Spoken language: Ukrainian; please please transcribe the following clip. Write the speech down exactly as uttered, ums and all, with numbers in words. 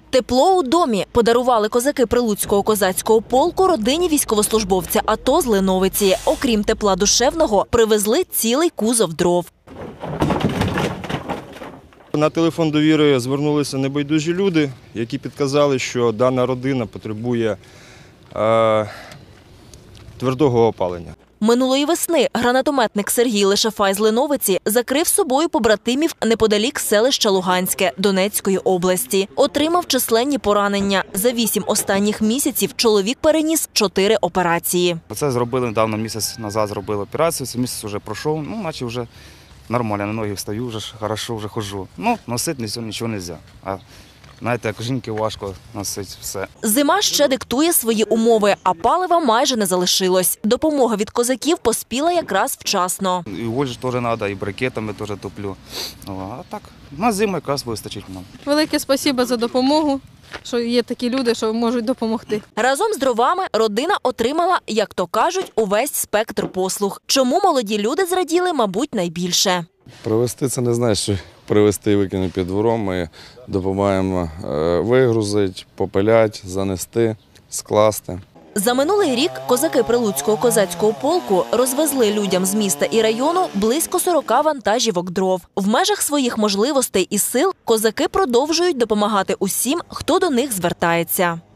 Тепло у домі подарували козаки Прилуцького козацького полку родині військовослужбовця АТО з Леновиці. Окрім тепла душевного, привезли цілий кузов дров. На телефон довіри звернулися небайдужі люди, які підказали, що дана родина потребує е, твердого опалення. Минулої весни гранатометник Сергій Лишафай з Леновиці закрив собою побратимів неподалік селища Луганське Донецької області. Отримав численні поранення. За вісім останніх місяців чоловік переніс чотири операції. Це зробили недавно, місяць назад зробили операцію, цей місяць вже пройшов, ну, наче вже нормально, на ноги встаю, вже хорошо, вже ходжу. Ну, носити нічого не можна. А знаєте, як жінки важко носити все. Зима ще диктує свої умови, а палива майже не залишилось. Допомога від козаків поспіла якраз вчасно. І вольж теж треба, і брикетами теж топлю. А так, на зиму якраз вистачить нам. Велике спасибо за допомогу, що є такі люди, що можуть допомогти. Разом з дровами родина отримала, як то кажуть, увесь спектр послуг. Чому молоді люди зраділи, мабуть, найбільше. Привезти – це не значить, що привезти і викинути під двором. Ми допомагаємо вигрузити, попиляти, занести, скласти. За минулий рік козаки Прилуцького козацького полку розвезли людям з міста і району близько сорока вантажівок дров. В межах своїх можливостей і сил козаки продовжують допомагати усім, хто до них звертається.